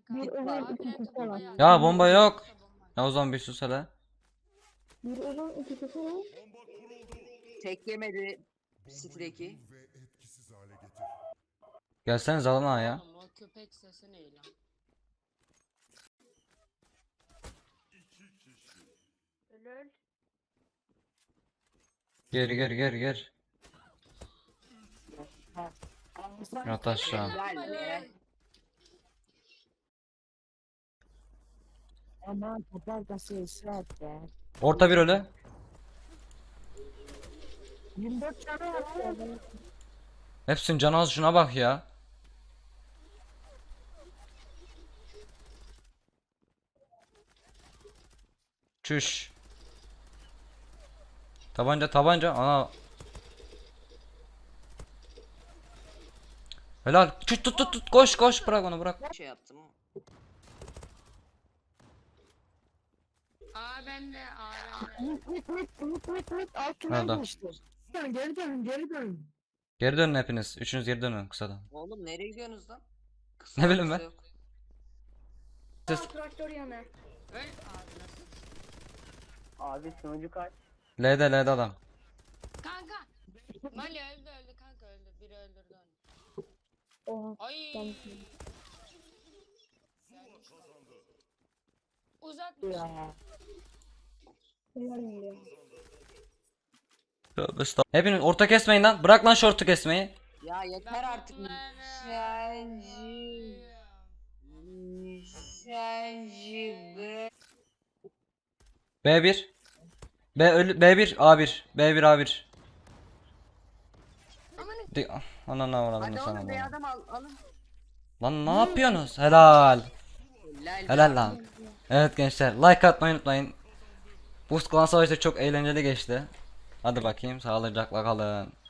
Bir kanka. uzun A iki plante kısa bomba var. yaz. Ya bomba yok. Yoksa bomba. Ya o zaman bir sus hele. Bir uzun iki kısa var. Tek yemedi. City'deki. Gelseniz alın ha ya. Oğlum o köpek sesi ne lan? Ölür. Gir. Yat aşağı. Helal be. Ama kapartası ısrar be. Orta bir ölü. 24 tane var. Hepsinin canı az, şuna bak ya. Çüş. Tabanca. Ana. Helal. Çüş, tut. Koş. Bırak onu, bırak. Şey yaptım. A bende. A bende. Mit. Alt Nerede? tünel geçti. Geri dönün. Geri dönün hepiniz. Üçünüz geri dönün kısadan. Oğlum nereye gidiyorsunuz lan? Kısa Ne bileyim kısa ben. yok. Traktör yanı. Öl ağzına sık. Abi sunucu kaç? L'de adam. Kanka. Mali öldü kanka öldü. Biri öldürdü onu. Oha. Ay. Ben Uzatmış. Ya. helal ya. Tövbe estağfurullah. Hepiniz orta kesmeyin lan. Bırak lan şortu kesmeyi. Ya yeter artık. B1. B1 A1. B1 A1. Ananı avradım Hadi sana oğlum be bunu. adam alın. Lan ne yapıyorsunuz? Helal. Helal. Helal lan. Evet gençler, like atmayı unutmayın. Bu klan savaşı çok eğlenceli geçti. Hadi bakayım, sağlıcakla kalın.